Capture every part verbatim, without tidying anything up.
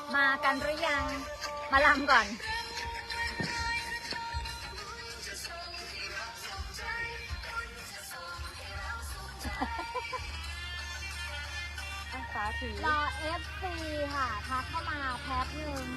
มากันหรือยังมาลำก่อนสาถือรอ เอฟ ซี ค่ะทักเข้ามาแป๊บนึง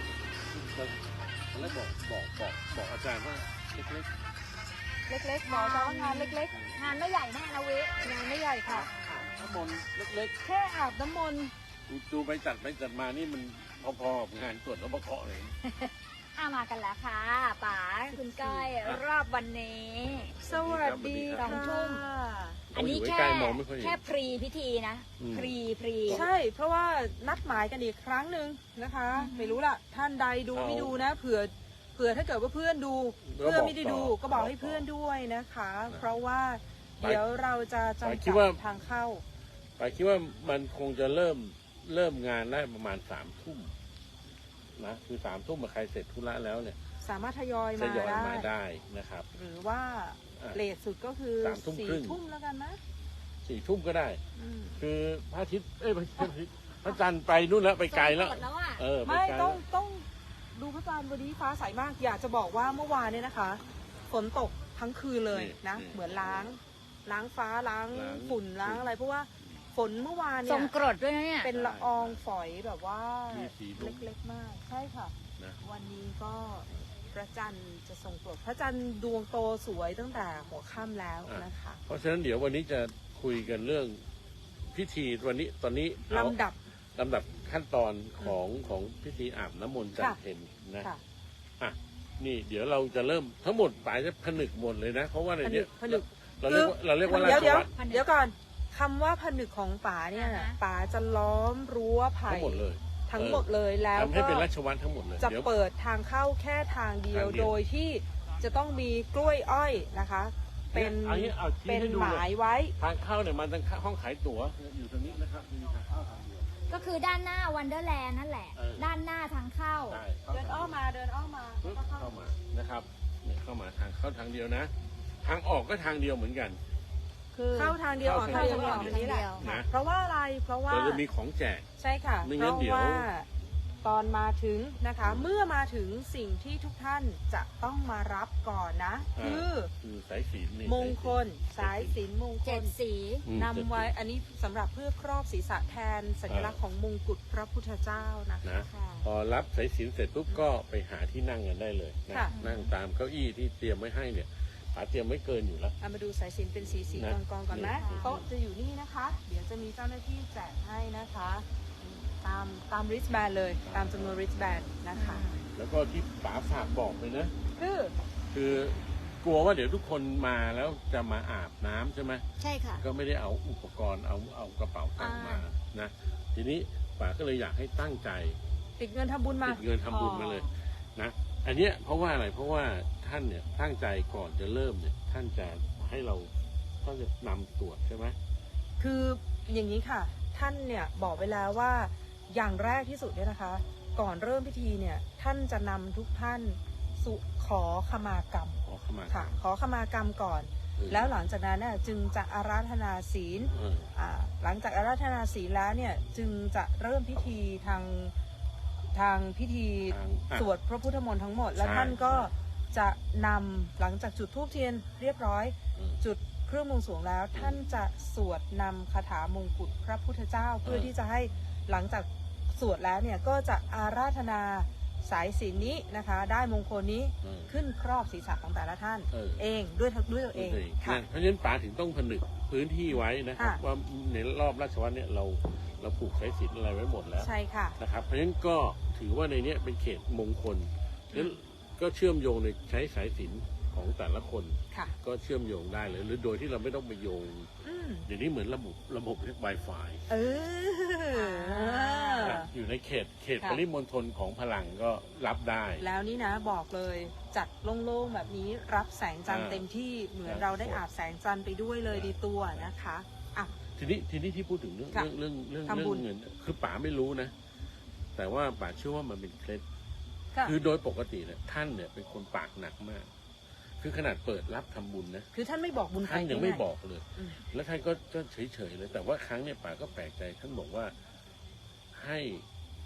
แล้วบอกบอกบอกบอกอาจารย์ว่าเล็กเล็กๆบอกว่างานเล็กๆงานไม่ใหญ่แน่นะวิงานไม่ใหญ่ค่ะน้ำมนต์เล็กๆแค่อาบน้ำมนต์ดูไปจัดไปจัดมานี่มันพอๆกับงานตรวจแล้วประเคาะเลยอามากันแล้วค่ะป๋าคุณก้อยรอบวันนี้สวัสดีสองทุ่มอันนี้แค่แค่พรีพิธีนะพรีพรีใช่เพราะว่านัดหมายกันอีกครั้งหนึ่งนะคะไม่รู้ล่ะท่านใดดูไม่ดูนะเผื่อเผื่อถ้าเกิดว่าเพื่อนดูเพื่อนไม่ได้ดูก็บอกให้เพื่อนด้วยนะคะเพราะว่าเดี๋ยวเราจะจำกัดทางเข้าไปคิดว่ามันคงจะเริ่มเริ่มงานได้ประมาณสามทุ่มนะคือสามทุ่มมาใครเสร็จธุระแล้วเนี่ยสามารถทยอยมาได้มาได้นะครับหรือว่าเลทสุดก็คือสามทุ่มครึ่งทุ่มแล้วกันนะสี่ทุ่มก็ได้คือพระอาทิตย์เอ้ยพระอาทิตย์พระจันทร์ไปนู่นแล้วไปไกลแล้วเออไม่ต้องต้องดูพระจันทร์วันนี้ฟ้าใสมากอยากจะบอกว่าเมื่อวานเนี่ยนะคะฝนตกทั้งคืนเลยนะเหมือนล้างล้างฟ้าล้างฝุ่นล้างอะไรเพราะว่าฝนเมื่อวานเนี่ยทรงกรดด้วยนะเนี่ยเป็นละอองฝอยแบบว่าเล็กๆมากใช่ค่ะวันนี้ก็พระจันทร์จะทรงกรดพระจันทร์ดวงโตสวยตั้งแต่หัวค่ำแล้วนะคะเพราะฉะนั้นเดี๋ยววันนี้จะคุยกันเรื่องพิธีวันนี้ตอนนี้ลำดับลำดับขั้นตอนของของพิธีอาบน้ำมนต์จันทร์เพ็ญนะอ่ะนี่เดี๋ยวเราจะเริ่มทั้งหมดปลายจะผนึกหมดเลยนะเพราะว่าในนี้ผนึกเราเรียกว่าเราเรียกว่าราชวัตรเดี๋ยวก่อนคำว่าผนึกของป๋าเนี่ยป๋าจะล้อมรั้วไผ่ทั้งหมดเลยทั้งหมดเลยแล้วทำให้เป็นราชวัตรทั้งหมดเลยจะเปิดทางเข้าแค่ทางเดียวโดยที่จะต้องมีกล้วยอ้อยนะคะเป็นเป็นหมายไว้ทางเข้าเนี่ยมันทางห้องขายตั๋วอยู่ตรงนี้นะครับมีทางเข้าทางเดียวก็คือด้านหน้าวันเดอร์แลนด์นั่นแหละด้านหน้าทางเข้าเดินอ้อมมาเดินอ้อมมาเข้ามานะครับเนี่ยเข้ามาทางเข้าทางเดียวนะทางออกก็ทางเดียวเหมือนกันเข้าทางเดียวออกทางเดียวแบบนี้แหละเพราะว่าอะไรเพราะว่าเราจะมีของแจกใช่ค่ะเพราะว่าตอนมาถึงนะคะเมื่อมาถึงสิ่งที่ทุกท่านจะต้องมารับก่อนนะคือสายศีลมงคลสายศีลมงคลเจ็ดสีนำไว้อันนี้สำหรับเพื่อครอบศีรษะแทนสัญลักษณ์ของมงกุฎพระพุทธเจ้านะคะพอรับสายศีลเสร็จปุ๊บก็ไปหาที่นั่งกันได้เลยนะนั่งตามเก้าอี้ที่เตรียมไว้ให้เนี่ยเตรียมไม่เกินอยู่แล้วมาดูสายสิญจน์เป็นสีสีกองกองก่อนนะโต๊ะจะอยู่นี่นะคะเดี๋ยวจะมีเจ้าหน้าที่แจกให้นะคะตามตามริสแบนเลยตามจำนวนริสแบนนะคะแล้วก็ที่ป๋าฝากบอกเลยนะคือคือกลัวว่าเดี๋ยวทุกคนมาแล้วจะมาอาบน้ำใช่ไหมใช่ค่ะก็ไม่ได้เอาอุปกรณ์เอาเอากระเป๋าตังค์มานะทีนี้ป๋าก็เลยอยากให้ตั้งใจติดเงินทำบุญมาติดเงินทำบุญมาเลยนะอันเนี้ยเพราะว่าอะไรเพราะว่าท่านเนี่ยตั้งใจก่อนจะเริ่มเนี่ยท่านจะให้เราต้องจะนำตรวจใช่ไหมคืออย่างนี้ค่ะท่านเนี่ยบอกไว้แล้วว่าอย่างแรกที่สุดเนี่ยนะคะก่อนเริ่มพิธีเนี่ยท่านจะนำทุกท่านสุขอขมากรรมขอขมาค่ะขอขมากรรมก่อนแล้วหลังจากนั้นเนี่ยจึงจะอาราธนาศีลอ่าหลังจากอาราธนาศีลแล้วเนี่ยจึงจะเริ่มพิธีทางทางพิธีสวดพระพุทธมนต์ทั้งหมดแล้วท่านก็จะนำหลังจากจุดธูปเทียนเรียบร้อยจุดเครื่องบวงสรวงแล้วท่านจะสวดนำคาถามงกุฎพระพุทธเจ้าเพื่อที่จะให้หลังจากสวดแล้วเนี่ยก็จะอาราธนาสายศีลนี้นะคะได้มงคลนี้ขึ้นครอบศีรษะของแต่ละท่านเองด้วยด้วยตัวเองค่ะเพราะฉะนั้นป๋าถึงต้องผนึกพื้นที่ไว้นะครับว่าในรอบราชวัตรเนี่ยเราเราผูกสายศีลอะไรไว้หมดแล้วใช่ค่ะนะครับเพราะฉะนั้นก็ถือว่าในนี้เป็นเขตมงคลแล้วก็เชื่อมโยงในใช้สายศีลของแต่ละคนก็เชื่อมโยงได้เลยหรือโดยที่เราไม่ต้องไปโยงเดี๋ยวนี้เหมือนระบบระบบเรียก Wi-Fi เอออยู่ในเขตเขตปริมณฑลของพลังก็รับได้แล้วนี่นะบอกเลยจัดโล่งๆแบบนี้รับแสงจันทร์เต็มที่เหมือนเราได้อาบแสงจันทร์ไปด้วยเลยดีตัวนะคะอ่ะทีนี้ทีนี้ที่พูดถึงเรื่องเรื่องเรื่องเรื่องเงินคือป๋าไม่รู้นะแต่ว่าป๋าเชื่อว่ามันเป็นเคล็ดคือโดยปกติเนี่ยท่านเนี่ยเป็นคนปากหนักมากคือขนาดเปิดรับทำบุญนะคือท่านไม่บอกบุญท่านยังไม่บอกเลยแล้วท่านก็ก็เฉยๆเลยแต่ว่าครั้งเนี่ยป๋าก็แปลกใจท่านบอกว่าให้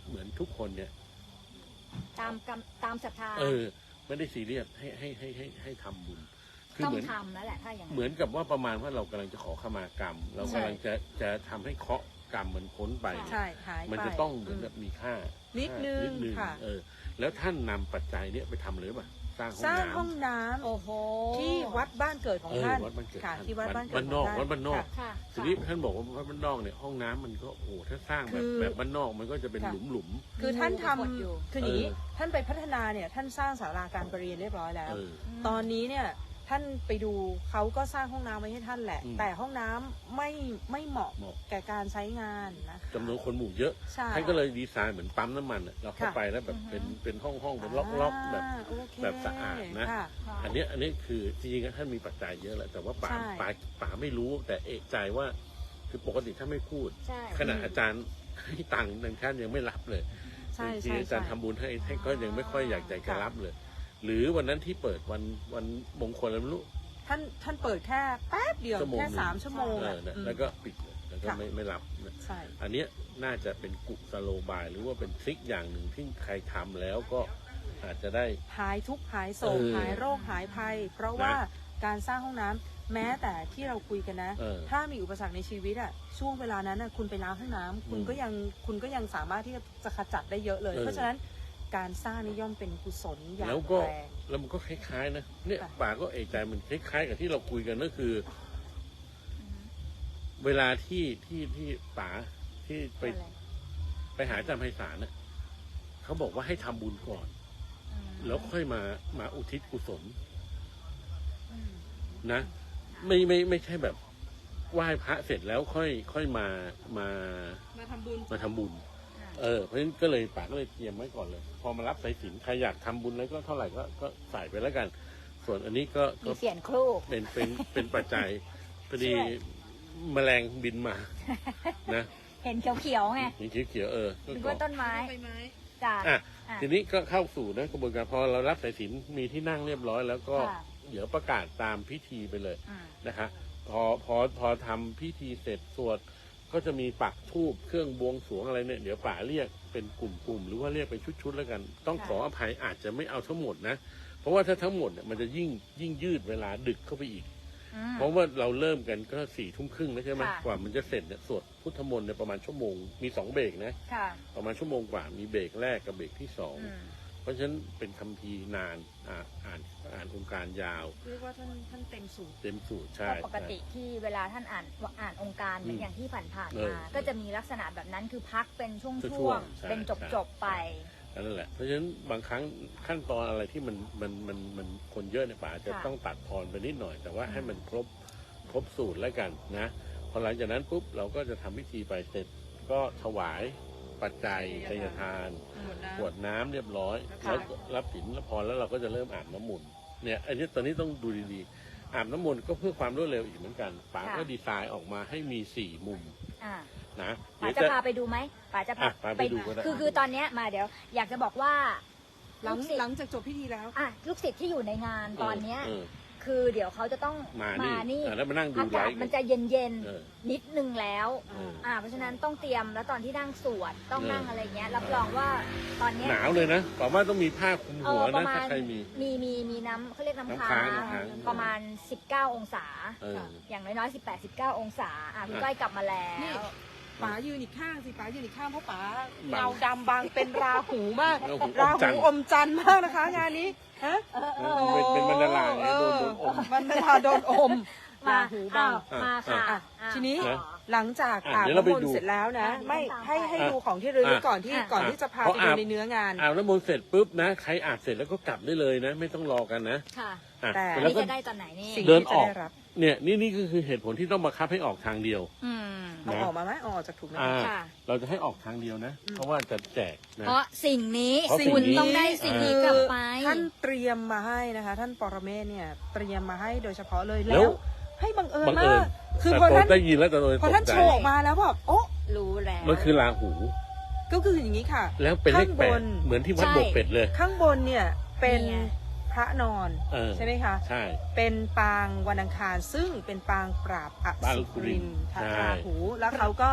เหมือนทุกคนเนี่ยตามกรรมตามศรัทธาเออไม่ได้ซีเรียสให้ให้ให้ให้ให้ทำบุญคือต้องเหมือนทำแล้วแหละถ้าอย่างนั้นเหมือนกับว่าประมาณว่าเรากำลังจะขอขมากรรม เรากำลังจะจะทำให้เคราะห์กรรมมันพ้นไปใช่หายไปมันจะต้องเหมือนแบบมีค่านิดนึงนิดนึงค่ะเออแล้วท่านนำปัจจัยเนี่ยไปทำเลยป่ะสร้างห้องสร้างน้ำห้องน้ำโอ้โหที่วัดบ้านเกิดของเออท่านวัดบ้านเกิดค่ะท่านที่วัดบ้านเกิดบ้านนอกของท่วัดบ้านนอกค่ะค่ะทีนี้ท่านบอกว่าวัดบ้านนอกเนี่ยห้องน้ำมันก็โอ้โหถ้าสร้างแบบคือแบบบ้านนอกมันก็จะเป็นค่ะหลุมหลุมคือท่านทมีรูปรากฏอยู่ำคืออย่างนี้เออท่านไปพัฒนาเนี่ยท่านสร้างศาลาการประเรียนเรียบร้อยแล้วเออตอนนี้เนี่ยท่านไปดูเขาก็สร้างห้องน้ำไว้ให้ท่านแหละอืมแต่ห้องน้ำไม่ไม่เหมาะเหมาะแก่การใช้งานนะคะจำนวนคนหมู่เยอะใช่ท่านก็เลยดีไซน์เหมือนปั๊มน้ำมันอะเราเข้าค่ะไปแล้วแบบเป็นเป็นห้องห้องเป็นล็อกล็อกแบบาโอเคแบบสะอาดนะค่ค่ะอันเนี้ยอันนี้คือจริงๆท่านมีปัจจัยเยอะแหละแต่ว่าป๋าใช่ป๋าป๋าไม่รู้แต่เอกใจว่าคือปกติท่านไม่พูดใช่ขณะอาจารย์ให้ตังค์ท่านยังไม่รับเลยใช่ทีใช่อาจารย์ใช่ทำบุญให้ให้ก็ยังไม่ค่อยอยากใจจะค่ะรับเลย หรือวันนั้นที่เปิดวันวันมงคลอะไรไม่รู้ท่านท่านเปิดแค่แป๊บเดียวชั่วโมงแค่หนึ่งสามชั่วโมงเออะอนะอืมแล้วก็ปิดเลยแล้วก็ค่ะไม่ไม่รับนะใช่อันเนี้ยน่าจะเป็นกุศโลบายหรือว่าเป็นทริคอย่างหนึ่งที่ใครทำแล้วก็อาจจะได้หายทุกข์หายโศกเออหายโรคหายภัย เพราะว่าการสร้างห้องน้ำแม้แต่ที่เราคุยกันนะเออถ้ามีอุปสรรคในชีวิตอะช่วงเวลานั้นอะคุณไปล้างห้องน้ำคุณอืมก็ยังคุณก็ยังสามารถที่จะขจัดได้เยอะเลยเออเพราะฉะนั้นการสร้างนี่ย่อมเป็นกุศลอย่างแล้วก็แรงแล้วมันก็คล้ายๆนะเนี่ยค่ะป่าก็เอกใจมันคล้ายๆกับที่เราคุยกันก็คือ เวลาที่ที่ที่ป๋าที่ไปอะไรไปหาอาจารย์ไพศาลน่ะเขาบอกว่าให้ทำบุญก่อนอืมแล้วค่อยมามาอุทิศกุศลอืมนะ ไม่ไม่ไม่ใช่แบบไหว้พระเสร็จแล้วค่อยค่อยมามามาทำบุญมาทำบุญค่ะเออเพราะฉะนั้นก็เลยป๋าก็เลยเตรียมไว้ก่อนเลย พอมารับสายสิญจนใครอยากทำบุญแล้วก็เท่าไหร่ก็ก็ใส่ไปแล้วกัน ส่วนอันนี้ก็มีก็เสียนครูกเป็นเป็นเป็นปัจจัยพอดีช่วยแมลงบินมา นะเห็นเขียวๆไงนี่เขียวๆเออก็นึกก่อว่าต้นไม้ใบไม้จ้ะอ่ะอ่ะทีนี้ก็เข้าสู่นะกระบวนการพอเรารับสายสิญจนมีที่นั่งเรียบร้อย แล้วก็ค่ะเดี๋ยวประกาศตามพิธีไปเลยอืมนะคะพอพอพอทำพิธีเสร็จสวดก็จะมีปักธูปเครื่องบวงสรวงอะไรเนี่ยเดี๋ยวป่าเรียกเป็นกลุ่มๆหรือว่าเรียกเป็นชุดๆแล้วกัน ต้องขออภัยอาจจะไม่เอาทั้งหมดนะ เพราะว่าถ้าทั้งหมดเนี่ยมันจะยิ่งยิ่งยืดเวลาดึกเข้าไปอีกอืมเพราะว่าเราเริ่มกันก็สี่ทุ่มครึ่งแล้วใช่ไหมค่ะกว่ามันจะเสร็จเนี่ยสวดพุทธมนต์เนี่ยประมาณชั่วโมงมีสองเบรกนะค่ะประมาณชั่วโมงกว่ามีเบรกแรกกับเบรกที่สองอืมเพราะฉะนั้นเป็นคัมภีร์นานอ่าอ่านอ่านองค์การยาวเรียกว่าท่านท่านเต็มสูตรเต็มสูตรใช่ก็ปกติที่เวลาท่านอ่านอ่านองค์การเหมือนอย่างที่ผ่านๆเออมา ก็จะมีลักษณะแบบนั้นคือพักเป็นช่ช่ววงงๆใช่ๆ เป็นใช่จบๆไปนั่นแหละ เพราะฉะนั้นบางครั้งขั้นตอนอะไรที่มันมันมันมันคนเยอะในยป่าจะค่ะต้องตัดทอนไปนิดหน่อย แต่ว่าอืมให้มันครบครบสูตรแล้วกันนะพอหลังจากนั้นปุ๊บเราก็จะทำพิธีไปเสร็จก็ถวายปัจจัยทายทานหมดน้กรวดน้ำเรียบร้อยค่ะแล้วก็รับศีลรับพรแล้วเราก็จะเริ่มอาบน้ำมนต์เนี่ยอันนี้ตอนนี้ต้องดูดีๆอาบน้ำมนต์ก็เพื่อความรวดเร็วอีกเหมือนกันป๋าก็ดีไซน์ออกมาให้มีสี่มุมอ่านะป๋าเดี๋ยวจะพาไปดูไหมป๋าจะพาอ่ะพาไปดูก็ได้คือคือตอนเนี้ยมาเดี๋ยว อยากจะบอกว่าหลัลูงกศิษหลังย์จากจบพิธีแล้วอ่ะลูกศิษย์ที่อยู่ในงานตอนเนี้ยเออคือเดี๋ยวเขาจะต้องมานี่นี่อ่ะแล้วมานั่งดูอาไลกาศฟ์มันจะเย็นเย็นๆเออนิดนึงแล้วเอออ่า เพราะฉะนั้นต้องเตรียมแล้วตอนที่นั่งสวดต้องเออนั่งอะไรเงี้ยรับรองว่าตอนเนี้ยหนาวเลยนะบอกว่าต้องมีผ้าคลุมเอหัวอประนะมาถ้าณใครมีมีมีมีน้ำเขาเรียกน้ำน้ำค้าค้างน้ำค้างประมาณสิบเก้าองศาเอออย่างน้อยๆสิบแปด สิบเก้าองศาอ่ะคุณอ่ะก้อยกลับมาแล้นี่วป๋ายืนอีกข้างสิป๋ายืนอีกข้างเพราะป๋าบังเงาดำบางเป็นราหูมากราหูอรามจันหูทร์อมจันทร์มากนะคะ งานนี้ฮะเออเป็นเป็นบรรดาไงเอโดนอโดนอมบรรดาโดนอมมาราหูบังอ้าวมาค่ะอ่ะอ่ะทีนี้ต่อหลังจากอ่ะอาบเดี๋ยวเราไปน้ำมนดูต์เสร็จแล้วนะอ่ะไม่ตามให้ไปให้ดูของที่ระลึกอ่ะก่อนที่อ่ะก่อนอ่ะที่จะพาเพไปราะดูอาบในเนื้องานอาบน้ำมนต์เสร็จปุ๊บนะใครอาบเสร็จแล้วก็กลับได้เลยนะ ไม่ต้องรอกันนะค่ะอ่ะแต่อันแล้วนี้ก็จะได้ตอนไหนนี่สิ่งเดินที่อจะอกได้รับเนี่ยนี่นี่ก็คือเหตุผลที่ต้องบังคับให้ออกทางเดียวอืมเอานะออกมาไหมเอาออกจากถุงไหมอ่าค่ะเราจะให้ออกทางเดียวนะอืมเพราะว่าจะแจกนะเพราะสิ่งนี้เพราะสิ่งคุณนี้ต้องได้สิ่งนี้คืกลับอไปท่านเตรียมมาให้นะคะ ท่านปรเมศเนี่ยเตรียมมาให้โดยเฉพาะเลยแล้แล้ว วให้บังเอิญบังมาเอิญกคือแต่พอตอท่าน นได้ยินแล้วแต่โดยพอตท่านกใจโชว์ออกมาแล้วแบบโอ๊ะรู้แล้วมันคือราหูก็คืออย่างนี้ค่ะแล้วเป็นเลขข้างแปบดนเหมือนที่วัดใช่บกเป็ดเลยข้างบนเนี่ยเป็นนี่ไงพระนอนเออใช่ไหมคะใช่เป็นปางวันอังคารซึ่งเป็นปางปราบอปางสุสุริรินนทร์ทาใช่ราหูแล้วเขาก็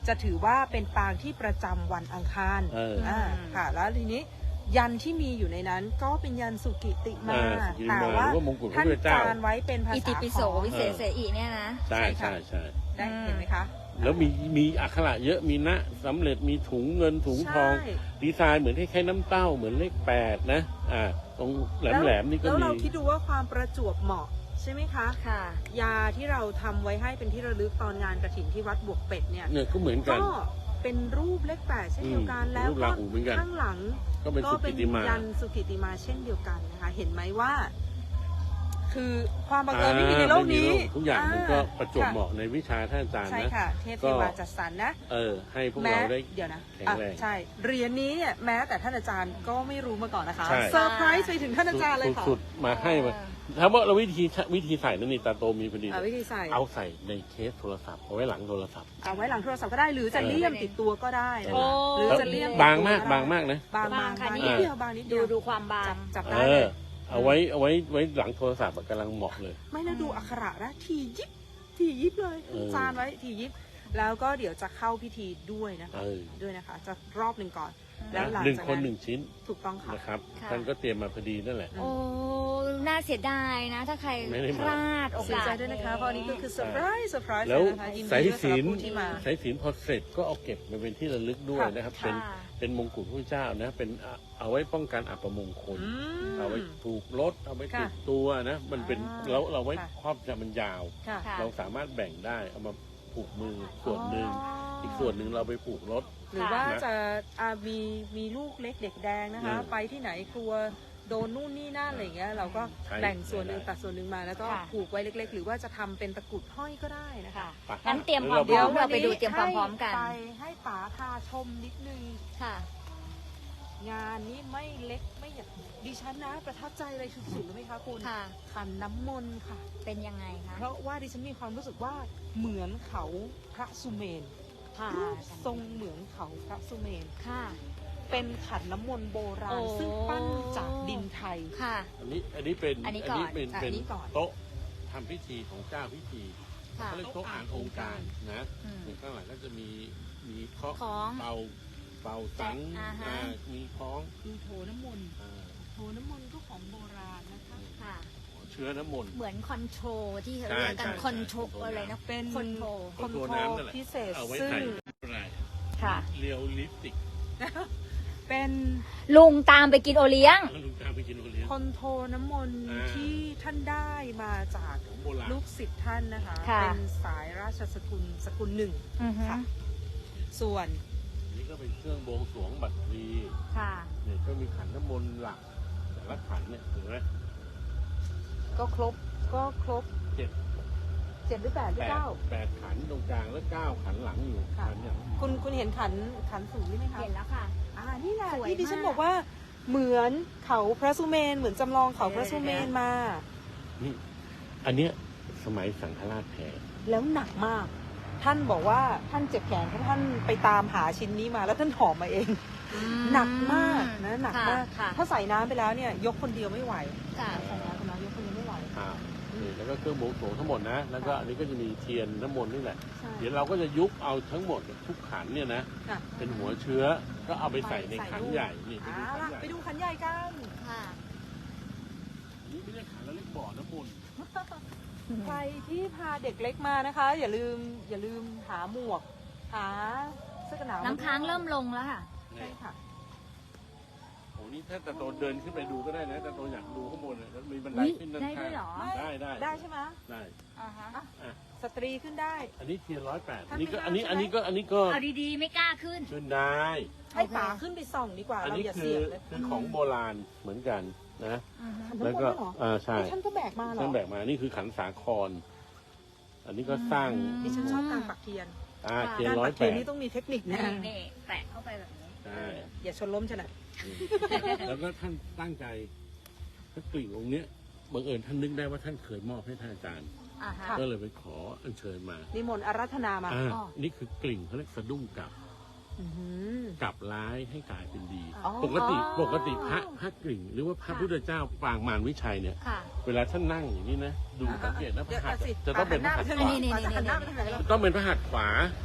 จะถือว่าเป็นปางที่ประจำวันอังคารเอออ่าค่ะ แล้วทีนี้ยันที่มีอยู่ในนั้นก็เป็นยันสุกิติมาอ่าสุกิติมาแต่ว่าหรือว่ามงกุฎพระท่านพุทธเจ้าจานไว้เป็นภาอิษาติปิโสขอมวิเศษเสอีเนี่ยนะใช่ใช่ใช่ค่ะใช่ได้เห็นไหมคะแล้วมีมีอักขระเยอะมีณสำเร็จมีถุงเงินถุงทองใช่ดีไซน์เหมือนคล้ายๆน้ำเต้าเหมือนเลขแปดนะอ่าตรงแหลมๆนี่ก็แล้วมีเราคิดดูว่าความประจวบเหมาะใช่ไหมคะค่ะยาที่เราทำไว้ให้เป็นที่ระลึกตอนงานกฐินที่วัดบวกเป็ดเนี่ยเนี่ยก็เหมือนกันก็เป็นรูปเลขแปดเช่นเดียวกันอืมแล้วรูปก็ราหูเหมือนกันข้างหลังก็เป็นก็สุเป็กินติมายันสุกิติมาเช่นเดียวกันนะคะ เห็นไหมว่า คือความบังเอิญไม่มีในโลกนี้อ่าไม่มีโลกทุกอย่างมันก็ประจวบค่เหมาะในวิชาท่านอาจารย์ใช่นะค่ะ เทพเทวาจัดสรรนะเออ ให้พวกแม้เราได้เดี๋ยวนะแข็งอ่ะแรงใช่เหรียญนี้เนี่ยแม้แต่ท่านอาจารย์ก็ไม่รู้มาก่อนนะคะใช่เซอร์ไพรส์ไปถึงท่านอาจารย์เลยค่ะสุดๆมาให้มาถ้าว่าเราวิธีวิธีใส่นั่นนี่ตาโตมีพอดีอ่ะวิธีใส่เอาใส่ในเคสโทรศัพท์เอาไว้หลังโทรศัพท์เอาไว้หลังโทรศัพท์ก็ได้หรือจะเลี่ยมติดตัวก็ได้นะโอ้คะหรือจะเลี่ยมบางมากบางมากนะบางบาบาง งค่ะบางนี่นิดเดียวบางนิดเดีดูยวดูความบางจับจับเอได้เลอย เอาไว้เอาไว้ไว้หลังโทรศัพท์อะกำลังเหมาะเลยไม่แล้วดูอักขระนะทียิบทียิบเลยเออจานไว้ทียิบแล้วก็เดี๋ยวจะเข้าพิธีด้วยนะคะเออด้วยนะคะ จะรอบหนึ่งก่อน แล้วหลังหนึ่งจากคนนั้นหนึ่งชิ้นถูกต้องค่ะนะครับค่ะท่านก็เตรียมมาพอดีนั่นแหละโอ้ น่าเสียดายนะ ถ้าใครไม่ได้มาพลาดโอเสียกาสใจด้วยนะคะเพราะอันนี้ก็คือเซอร์ไพรส์เซอร์ไพรส์แล้วนะคะยินดีสายด้วยสำหศีรับลผู้ที่มาสายศีลพอเสร็จก็เอาเก็บมาเป็นที่ระลึกด้วยค่ะนะครับค่ะเป็นเป็นมงกุฎพระเจ้านะเป็นอ่ะเอาไว้ป้องกันอัปมงคลอืมเอาไว้ผูกรถเอาไว้ค่ะติดตัวนะมันเป็นอ่าเราเราไว้ค่ะครอบจะมันยาวค่ะค่ะเราสามารถแบ่งได้เอามาผูกมือส่วนหนึ่งอีกส่วนหนึ่งเราไปผูกรถหรือว่าค่ะจะอ่ามีมีลูกเล็กเด็กแดงนะคะอืมไปที่ไหนกลัวโดนนู่นนี่นั่นอะไรอย่างเงี้ยเราก็ใช่แบ่งส่วนหนึ่งได้ตัดส่วนหนึ่งมาแล้วก็ค่ะผูกไว้เล็ก ๆ หรือว่าจะทำเป็นตะกรุดห้อยก็ได้นะคะค่ะไปงั้นเตรียมความพดี๋ร้ยอวมเราไปดูเตรียมความพร้อมกันไปให้ป๋าพาชมนิดนึงค่ะงานนี้ไม่เล็กไม่ใหญ่ดิฉันนะประทับใจอะไรสุดๆเลยไหมคะคุณค่ะขันน้ำมนต์ค่ะเป็นยังไงคะเพราะว่าดิฉันมีความรู้สึกว่าเหมือนเขาพระสุเมนค่ะรูปทรงเหมือนเขาพระสุเมนค่ะเป็นขันน้ำมนต์โบราโอ้ณซึ่งปั้นจากดินไทยค่ะอันนี้อันนี้เป็นอันนี้ก่อนเป็นอ่ะเป็นอันนี้ก่อนโต๊ะทำพิธีของเจ้าพิธีค่ะเขาเรียกโต๊ะอ่านองค์การนะอืมเนี่ยข้างหลังก็จะมีมีเคาะของเป่าเป่าสังอ่าฮะอ่ามีคล้องดูโถน้ำมนต์อ่าโถน้ำมนต์ก็ของโบราณนะคะค่ะเชื้อน้ำมนต์เหมือนคอนโทรลที่เขาใช่เรียกกันใช่คอนโทรลใช่อะไรนะเป็นคอนโทรลคอนโทตัวรน้ำลนั่นแหละพิเศษเอาไว้ซึ่งใส่อะไรค่ะเรียวลิปสติกเป็นลุงตามไปกินโอเลี้ยงแล้วลุงตามไปกินโอเลี้ยงคอนโทรน้ำมนต์อ่าที่ท่านได้มาจากของโบราณลูกศิษย์ท่านนะคะค่ะเป็นสายราชสกุลสกุลหนึ่งอือฮึค่ะ ส่วนนี่ก็เป็นเครื่องบวงสรวงบัตรพลีค่ะเนี่ยก็มีขันน้ำมนต์หลักแต่ละขันเนี่ยเห็นไหมก็ครบก็ครบเจ็ดเจ็ดหรือแปดหรือแปดเก้าแปดขันตรงกลางแล้วเก้าขันหลังอยู่ค่ะขันอย่างคุณคุณเห็นขันขันสูงนี่ไหมคะเห็นแล้วค่ะอ่านี่แหละสวยที่ดิฉันมากบอกว่าเหมือนเขาพระสุเมนเหมือนจำลองเขาพระสุเมนมานี่อันเนี้ยสมัยสังฆราชแพ้แล้วหนักมาก ท่านบอกว่าท่านเจ็บแขนเพราะท่านไปตามหาชิ้นนี้มาแล้วท่านหอมมาเองอืมหนักมากนะหนักมากค่ะถ้าใส่น้ำไปแล้วเนี่ยยกคนเดียวไม่ไหวค่ะใส่น้ำไปแล้วยกคนเดียวไม่ไหวอ่านี่แล้วก็เครื่องบวงสรวงทั้งหมดนะ แล้วก็อันนี้ก็จะมีเทียนน้ำมนต์นี่แหละใช่เดี๋ยวเราก็จะยุบเอาทั้งหมดทุกขันเนี่ยนะค่ะเป็นหัวเชื้อ ก็เอาไปใส่ในใส่ขันลูกใหญ่ นี่ไปอ่าดูขันล่ะใหญ่ไปดูขันใหญ่กันค่ะอันนี้ไม่ใช่ขันแล้วเรียกบ่อน้ำมนต์ใครที่พาเด็กเล็กมานะคะ อย่าลืมอย่าลืมหาหมวก หาเสื้อกันหนาวน้ำค้างเริ่มลงแล้วค่ะใช่ค่ะโอ้นี่ถ้าตะโตเดินขึ้นไปดูก็ได้นะตะโตอยากดูข้างบนเลยแล้วมีบันไดอุ๊ยขึ้นด้านได้ด้ข้าวยเหรองได้ได้ได้ใช่ไหมได้อ่าฮะอ่ะสตรีขึ้นได้อันนี้เทียนร้อยแปดท่าอันนนี้ก็ไม่อันนี้ได้อันนี้ก็อันนี้ก็เอาดีๆ ไม่กล้าขึ้นขึ้นได้ให้ป๋าขึ้นไปส่องดีกว่าอันเรานี้อย่าคืเสี่อยงเลยคือของโบราณเหมือนกันนะอือฮึขันน้ำมนต์แล้วก็ด้วยเหรออ่าใช่ท่านก็แบกมาเหรอท่านแบกมานี่คือขันสาคร อันนี้ก็สร้างดิฉันชอบการปักเทียนอ่าค่ะเทียนการร้อปัยกแปเทียนดนี่ต้องมีเทคนิคนะนี่นี่แตะเข้าไปแบบนี้ใช่อย่าชนล้มฉะนั้นแล้วก็ท่านตั้งใจถ้ากลิ่งองค์เนี้ยบังเอิญท่านนึกได้ว่าท่านเคยมอบให้ท่านอาจารย์อ่าฮะก็เลยไปขออัญเชิญมานิมนต์อารัธนามาอ่าอ๋อนี่คือกลิ่งเขาเรียกสะดุ้งกลับอื้อหือกลับร้ายให้กลายเป็นดีอ๋อปกติปกติพระพระกลิ่ง หรือว่าพระพุทธเจ้าปางมารวิชัยเนี่ยค่ะเวลาท่านนั่งอย่างนี้นะดูสังเกตนะพเดี๋ระยวหัตถ์สิจะต้องเป็นพระหัตถ์ขหัวานี่นี่ป๋าจะหันหน้าไปทางไหนล่ะต้องเป็นพระหัตถ์ขวา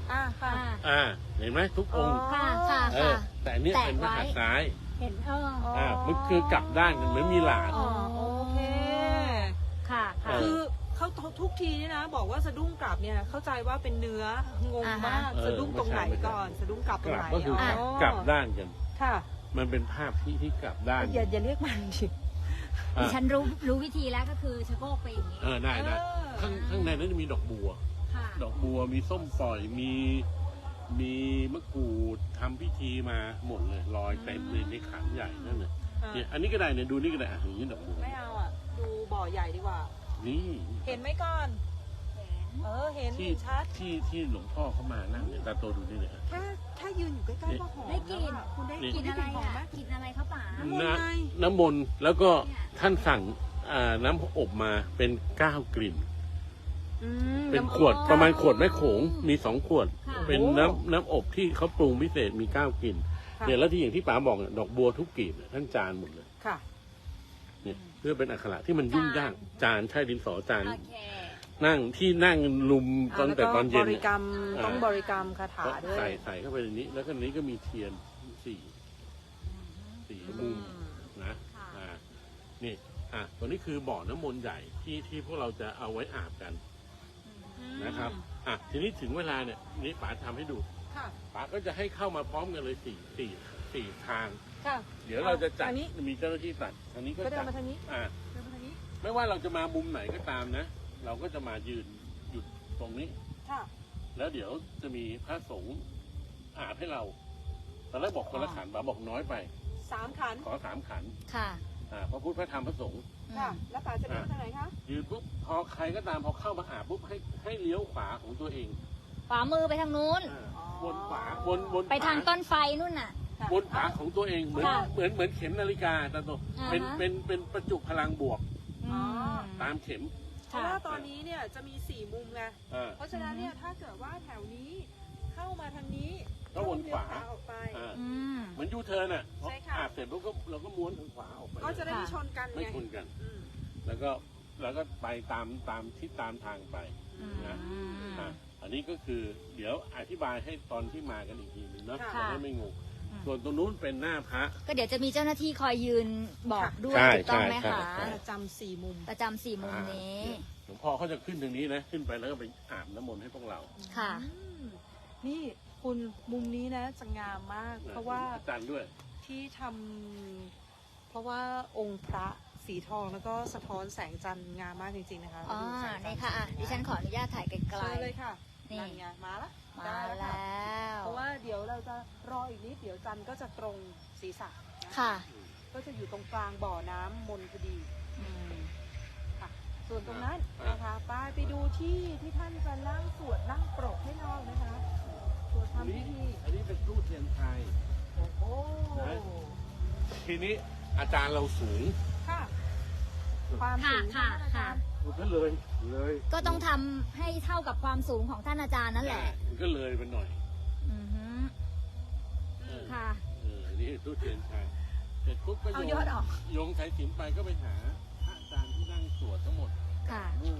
อ่าค่ะอ่าอ่าเห็นไหมทุกองค์ค่ะค่ะเอค่ะอแต่อันเนี้ยแตะเป็นพระหัตถ์ซ้ายเห็นเอออ่ามันคือกลับด้านกันเหมือนมีหลาดอ๋อโอเคค่ะค่ะคือเขาทุกทีนี่นะ บอกว่าสะดุ้งกลับเนี่ยเข้าใจว่าเป็นเนื้องงมากเออสะดุ้งตรงไหนไม่ใช่ก่อนสะดุ้งกลับตกรงลับไหนก็คือกลับอ๋อกลับด้านกันค่ะมันเป็นภาพที่ที่กลับด้านอย่าอย่าเรียกมันดิดิฉันรู้รู้วิธีแล้วก็คือชะโงกไปอย่างนี้เออได้ได้เออข้างข้างในนั้นจะมีดอกบัวค่ะดอกบัวมีส้มปล่อยมีมีมะกรูดทำพิธีมาหมดเลยลอยเต็มเลยในขันใหญ่นั่นเลยเนี่ยอันนี้ก็ได้เนี่ยดูนี่ก็ได้อ่ะอย่างนี้ดอกบัวไม่เอาอ่ะ ดูบ่อใหญ่ดีกว่านี่เห็นไหมก่อน เออ เห็นที่เห็นชัดที่ที่หลวงพ่อเขามานั่งเนี่ยตาโตดูนี่เนี่ยแค่แค่ยืนอยู่ใกล้ๆก็หอมได้กลิ่นแล้วอะคุณได้นี่กกิลิ่นนได้อะไรกลิ่นหอมไหมอ่ะกินอะไรเขาป๋าน้ำมนต์ไงน้ำมนต์แล้วก็ท่านสั่งอ่าน้ำอบมาเป็นเก้ากลิ่นอืมเป็นำขวดอ๋อประมาณขวดแม่โขงมีสองขวดค่ะเป็นโอ้น้ำน้ำอบที่เขาปรุงพิเศษมีเก้ากลิ่นค่ะเนี่ยแล้วที่อย่างที่ป๋าบอกเนี่ยดอกบัวทุกกลีบเนี่ยท่านจานหมดเลยค่ะเนี่ยเพื่อเป็นอักขระที่มันยุ่งยากจานใช่ดินสอจานโอเคนั่งที่นั่งลุมตอนแต่ตอนเย็นบริเนี่ยกรรมอ่าต้องบริกรรมคาถาก็ด้วยใส่ใส่เข้าไปในนี้ แล้วก็ในนี้ก็มีเทียนสี่สี่มุมนะค่ะอ่านี่อ่ะตัวนี้คือบ่อน้ำมนต์ใหญ่ที่ที่พวกเราจะเอาไว้อาบกันนะครับอ่ะทีนี้ถึงเวลาเนี่ยนี่ป๋าทำให้ดูค่ะป๋าก็จะให้เข้ามาพร้อมกันเลยสี่สี่สี่ทางค่ะเดี๋ยวเราจะจัดอันนี้มีเจ้าหน้าที่ตัดอันนี้ก็ก็เดิจันดมาทางนี้อ่าเดินมาทางนี้ไม่ว่าเราจะมามุมไหนก็ตามนะ เราก็จะมายืนหยุดตรงนี้ค่ะแล้วเดี๋ยวจะมีพระสงฆ์อาบให้เราตอนแรกบอกคนละขันป๋าบอกน้อยไปสามขันขอสามขันค่ะอ่าพระพุทธพระธรรมพระสงฆ์ค่ะ แล้วป๋าจะเดินทางไหนคะยืนปุ๊บพอใครก็ตามพอเข้ามาอาบปุ๊บให้ให้เลี้ยวขวาของตัวเองขวามือไปทางนู้นอ่าอ๋อวนขวาวนวนไปทางขวต้นไฟนู่นน่ะค่ะวนขวาของตัวเองเหมือนค่ะเหมือนเหมือนเข็มนาฬิกาตาโตอ่าฮะเป็นเป็นเป็นประจุพลังบวกอืมตามเข็มเพราะว่าตอนนี้เนี่ยจะมีสี่มุมไงอ่าเพราะฉะนั้นเนี่ยถ้าเกิดว่าแถวนี้เข้ามาทางนี้ก็วนขวาเลี้ยออกไปอ่าอืมเหมือนยูเทิร์นอ่ะพอใช่ค่ะอาบเสร็จปุ๊บก็เราก็ม้วนทางขวาออกไปก็จะได้ไม่ชนกันไม่ไงชนกันอืมแล้วก็แล้วก็ไปตามตามที่ตามทางไปอืมนะอ่ะอันนี้ก็คือเดี๋ยวอธิบายให้ตอนที่มากันอีกทีนึงเนาะค่ะจะได้ไม่งงอืมส่วนตรงนู้นเป็นหน้าพระก็เดี๋ยวจะมีเจ้าหน้าที่คอยยืนบอกด้วยใช่ถูกต้องไหมใช่คะใช่ประจำสี่มุมประจำสี่มุมนี้หลวงพ่อเขาจะขึ้นทางนี้นะ ขึ้นไปแล้วก็ไปอาบน้ำมนต์ให้พวกเราค่ะอืมนี่คุณมุมนี้นะจะงามมาก เพราะว่าอาจารย์ด้วยที่ทำเพราะว่าองค์พระสีทองแล้วก็สะท้อนแสงจันทร์งามมากจริงๆนะคะอ๋อดูแสงจันี่นทร์ค่ะอ่ะดิฉันขออนุญาตถ่ายไกลเชิญเลยค่ะนี่นั่นไงมาละๆ มาได้แลค่ะ้วเพราะว่าเดี๋ยวเราจะรออีกนิดเดี๋ยวจันทร์ก็จะตรงศีรษะนะค่ะก็จะอยู่ตรงกลางบ่อน้ำมนพอดีอืมค่ะ ส่วนตรงนั้นอ่ะนะคะไปไปดูที่ที่ท่านจะนั่งสวดนั่งปรกให้น้องนะคะสวดอันทำนี้พิธีอันนี้เป็นตู้เทียนไทยโอ้โหนะ ทีนี้อาจารย์เราสูงค่ะ ความค่ะสูงค่ะนค่ะมันก็เลยเลยก็ต้องทำให้เท่ากับความสูงของท่านอาจารย์นั่นแหละมันก็เลยไปหน่อยอือฮึเออค่ะเอออันนี่ตู้เทียนไทยเสร็จปุ๊บก็เอาโยยอดงออกโยงสายสิญจนไปก็ไปหาพระอาจารย์ที่นั่งสวดทั้งหมดค่ะนู่น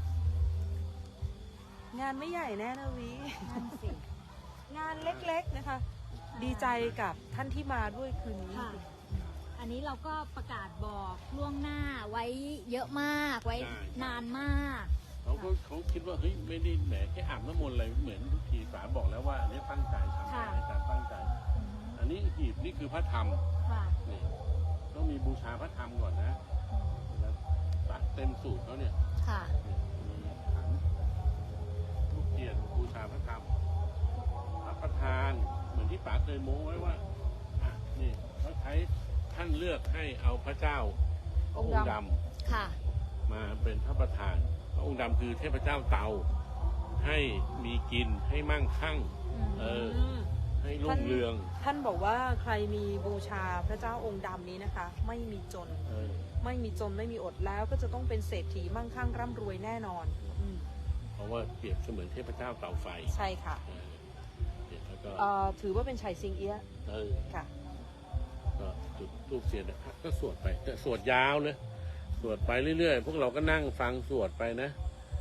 งานไม่ใหญ่แน่นะวินั่นสิงานเล็กๆนะคะ ดีใจกับท่านที่มาด้วยคืนนี้ค่ะ อันนี้เราก็ประกาศบอกล่วงหน้าไว้เยอะมากไว้นานมากเขาก็เขาคิดว่าเฮ้ยไม่ได้แหมแค่อาบน้ำมนต์อะไรเหมือนทุกทีป๋าบอกแล้วว่าอันนี้ตั้งใจทำค่ะอาจารย์ตั้งใจ อันนี้หีบนี่คือพระธรรมค่ะนี่ต้องมีบูชาพระธรรมก่อนนะแล้วตัดเต็มสูตรเขาเนี่ยค่ะนี่มีขันทุกเทียนบูชาพระธรรมพระประธานเหมือนที่ป๋าเคยโม้ไว้ว่าอ่ะนี่เขาใช้ท่านเลือกให้เอาพระเจ้าพระองค์ดำค่ะมาเป็นพระประธาน พระองค์ดำคือเทพเจ้าเตา ให้มีกินให้มั่งคั่ง เออมให้รุ่งเรืองท่านบอกว่าใครมีบูชาพระเจ้าองค์ดำนี้นะคะ ไม่มีจนเออไม่มีจนไม่มีอดแล้วก็จะต้องเป็นเศรษฐีมั่งคั่งร่ำรวยแน่นอนอืมเพราะว่าเปรียบเสมือนเทพเจ้าเตาไฟใช่ค่ะเออเนี่ยแล้วก็เอ่อถือว่าเป็นชัยซิงเอี้ยะเออค่ะก็จุดทูบเสียนนะครับก็สวดไปแต่สวดยาวเลยสวดไปเรื่อยๆ พวกเราก็นั่งฟังสวดไปนะ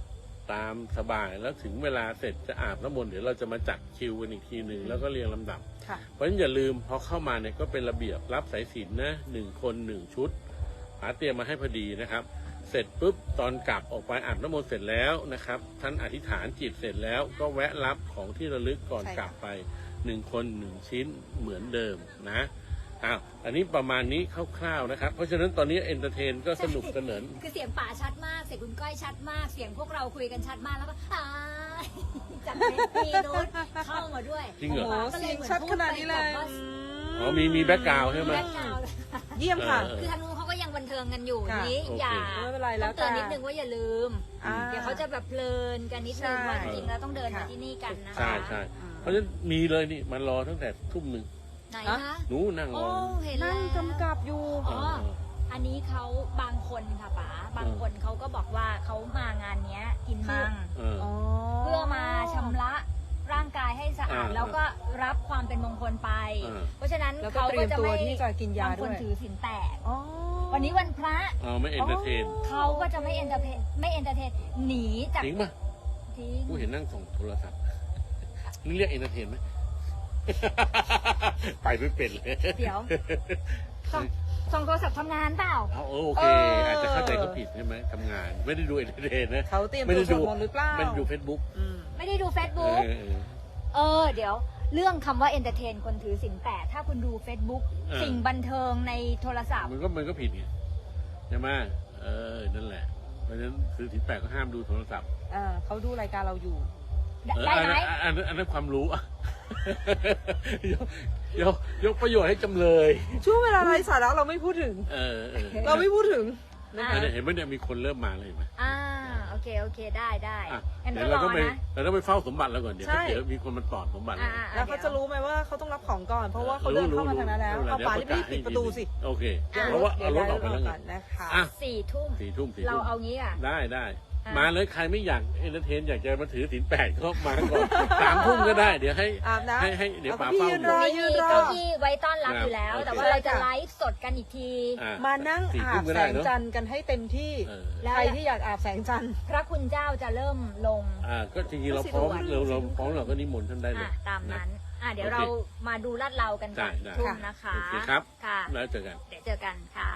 ตามสบายแล้วถึงเวลาเสร็จจะอาบน้ำมนต์เดี๋ยวเราจะมาจัดคิวกันอีกทีหนึ่งแล้วก็เรียงลำดับค่ะเพราะฉะนั้นอย่าลืมพอเข้ามาเนี่ยก็เป็นระเบียบรับสายสิญจน์นะหนึ่งคนหนึ่งชุดหาเตรียมมาให้พอดีนะครับ เสร็จปุ๊บตอนกลับออกไปอาบน้ำมนต์เสร็จแล้วนะครับท่านอธิษฐานจิตเสร็จแล้วก็แวะรับของที่ระลึกก่อนใช่ค่ะกลับไปหนึ่งคนหนึ่งชิ้นเหมือนเดิมนะอ้าวอันนี้ประมาณนี้คร่าวๆนะครับเพราะฉะนั้นตอนนี้เอนเตอร์เทนก็สนุกสนานคือเสียงป่าชัดมากเสียงคุณก้อยชัดมากเสียงพวกเราคุยกันชัดมากแล้วก็อ่าจากมีโน้ตเข้ามาด้วยจริงเหรอโอ้โหก็เสียงหมือชัดขนาดนี้เลยพูไปแบบว่าอ๋อมีมีแบ็กกราวด์ใช่ไหมแบ็คกราวด์เยี่ยมค่ะเออคือทางนู้นเขาก็ยังบันเทิงกันอยู่ค่ะนี้โอเคอย่าไม่เป็นไรแล้ต้อวงเตือนแต่นิดนึงว่าอย่าลืมอ่าเดี๋ยวเขาจะแบบเพลินกันนิดนึงใช่ว่าจริงๆแล้วต้องเดินมาค่ะที่นี่กันนะคะใช่ใช่เพราะฉะนั้นมีเลยนี่มันรอตั้งแต่ทุ่มหนึ่งไหนอ่ะคะหนูนั่งรโอ้อเห็นแล้นั่วงกำกับอยู่อ๋อ อันนี้เขาบางคนค่ะป๋าบางคนเขาก็บอกว่าเขามางานเนี้ยกินมังเอออ๋อเพื่อมาชำระร่างกายให้สะอาดอ่าแล้วก็รับความเป็นมงคลไปอ่าเพราะฉะนั้นแล้วก็เขาเตรีก็ยมจะตัวไม่ที่จะกินยาบางคด้วน ยถือศีลแปดอ๋อวันนี้วันพระเอาไม่เอนเตอร์เทนเขาก็จะไม่เอนเตอร์เทนไม่เอนเตอร์เทนหนีจากจริงป่ะทิ้งกูเห็นนั่งส่องโทรศัพท์นี่เรียกเอนเตอร์เทนไหม ไปไม่เป็นเลยเดี๋ยวส่องส่องโทรศัพท์ทำงานเปล่าเอาเออโอเคเออออาจจะเข้าใจเขาผิดใช่ไหมทำงาน ไม่ได้ดูเอนเตอร์เทนนะเขาเตรียมไม่ตัวได้สดูวดมนต์หรือเปล่าไม่ได้ดูเฟซบุ๊กอืมไม่ได้ดูเอ Facebook อเออเออ เดี๋ยว เรื่องคำว่าเอนเตอร์เทนคนถือศีลแปดถ้าคุณดู Facebook เออสิ่งบันเทิงในโทรศัพท์มันก็มันก็ผิดไงใช่ไหมเออนั่นแหละ เพราะฉะนั้นคือถึงแปดก็ห้ามดูโทรศัพท์อ่าเขาดูรายการเราอยู่เออได้ไหมอันนั้นอันนั้นอันนั้นความรู้ อะ ยกยกยกประโยชน์ให้จำเลยช่วงเวลาไร้สาระเราไม่พูดถึงเออเออเราไม่พูดถึงอ่าอันนี้เห็นไหมเนี่ยมีคนเริ่มมาเลยเห็นไหมอ่าโอเค โอเค ได้ได้อ่ะงั้นเดี๋ก็ยวรเราอต้องไปนะเราต้องไปเฝ้าสมบัติแล้วก่อนเดี๋ยวใช่เดี๋ยวมีคนมาตอดสมบัติอ่าเราอ่าแล้วเขาจะรู้ไหมว่าเขาต้องรับของก่อน เพราะว่าเขาเดินเข้ามาทางนั้นแล้ว เอาป่ารีบๆปิดประตูสิโอเคอ่ะเพราะว่าเอารถออกไปแล้วไงก่อนนะคะอ่ะสี่ทุ่มสี่ทุ่มสี่เราทุ่มเอางี้อ่ะได้ได้อ่ะมาเลยใครไม่อยากเอนเตอร์เทนอยากจะมาถือศีลแปดก็มาก่อน สามทุ่มก็ได้เดี๋ยวให้อาบน้ำให้ให้เดี๋ยวเอาป๋าพี่เฝ้ายืนอยู่รอไม่ยืมีนรอเก้าอี้ไว้ต้อนรับอยู่แล้วครับแต่ว่าโอเคเราจะค่ะไลฟ์สดกันอีกทีอ่ะมานั่งสี่อาทุ่บมก็แสได้งเนอะจันทร์กันให้เต็มที่เออแล้วใครที่อยากอาบแสงจันทร์พระคุณเจ้าจะเริ่มลงอ่าก็จริงๆเราพร้อมเราเราพร้อมเราก็นิมนต์ท่านได้เลอ่ะยตามนั้น อ่ะเดี๋ยวโอเคเรามาดูลาดเรากันก่อนได้ได้ทุ่มนะคะโอเคครับค่ะแล้วเจอกันเดี๋ยวเจอกันค่ะ